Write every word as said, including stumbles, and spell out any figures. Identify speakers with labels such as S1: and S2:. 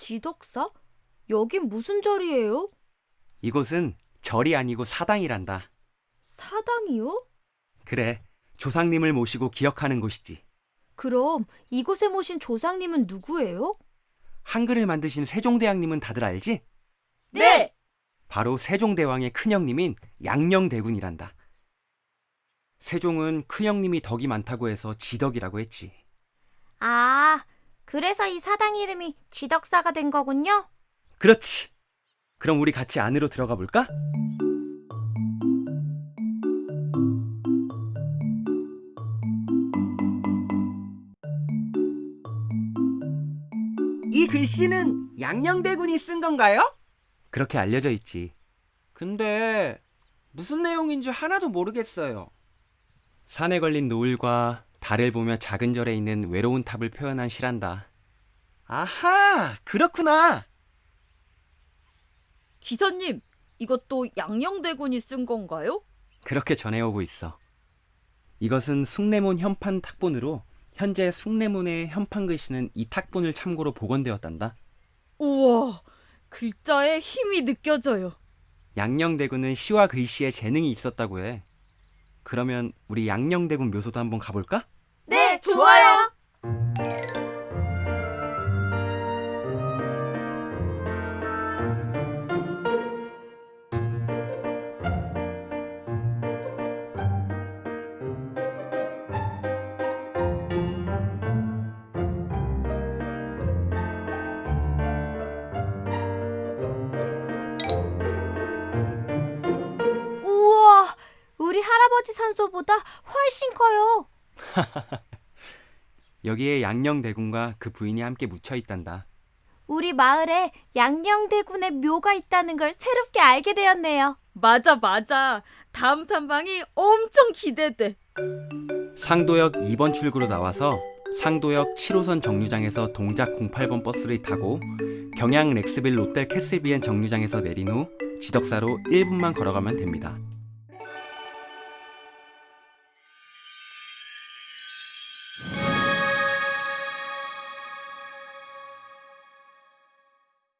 S1: 지덕사? 여긴 무슨 절이에요?
S2: 이곳은 절이 아니고 사당이란다.
S1: 사당이요?
S2: 그래, 조상님을 모시고 기억하는 곳이지.
S1: 그럼 이곳에 모신 조상님은 누구예요?
S2: 한글을 만드신 세종대왕님은 다들 알지?
S1: 네!
S2: 바로 세종대왕의 큰형님인 양녕대군이란다. 세종은 큰형님이 덕이 많다고 해서 지덕이라고 했지.
S1: 아, 그래서 이 사당 이름이 지덕사가 된 거군요?
S2: 그렇지. 그럼 우리 같이 안으로 들어가 볼까?
S3: 이 글씨는 양녕대군이 쓴 건가요?
S2: 그렇게 알려져 있지.
S3: 근데 무슨 내용인지 하나도 모르겠어요.
S2: 산에 걸린 노을과 달을 보며 작은 절에 있는 외로운 탑을 표현한 시란다.
S3: 아하, 그렇구나.
S4: 기사님, 이것도 양녕대군이 쓴 건가요?
S2: 그렇게 전해오고 있어. 이것은 숭례문 현판 탁본으로 현재 숭례문의 현판 글씨는 이 탁본을 참고로 복원되었단다.
S4: 우와, 글자에 힘이 느껴져요.
S2: 양녕대군은 시와 글씨에 재능이 있었다고 해. 그러면 우리 양녕대군 묘소도 한번 가볼까?
S1: 네, 좋아요! 우와, 우리 할아버지 산소보다 훨씬 커요.
S2: 여기에 양녕대군과 그 부인이 함께 묻혀 있단다.
S1: 우리 마을에 양녕대군의 묘가 있다는 걸 새롭게 알게 되었네요.
S4: 맞아, 맞아. 다음 탐방이 엄청 기대돼.
S2: 상도역 이 번 출구로 나와서 상도역 칠 호선 정류장에서 동작 공팔 번 버스를 타고 경양 렉스빌 롯데 캐슬비엔 정류장에서 내린 후 지덕사로 일 분만 걸어가면 됩니다.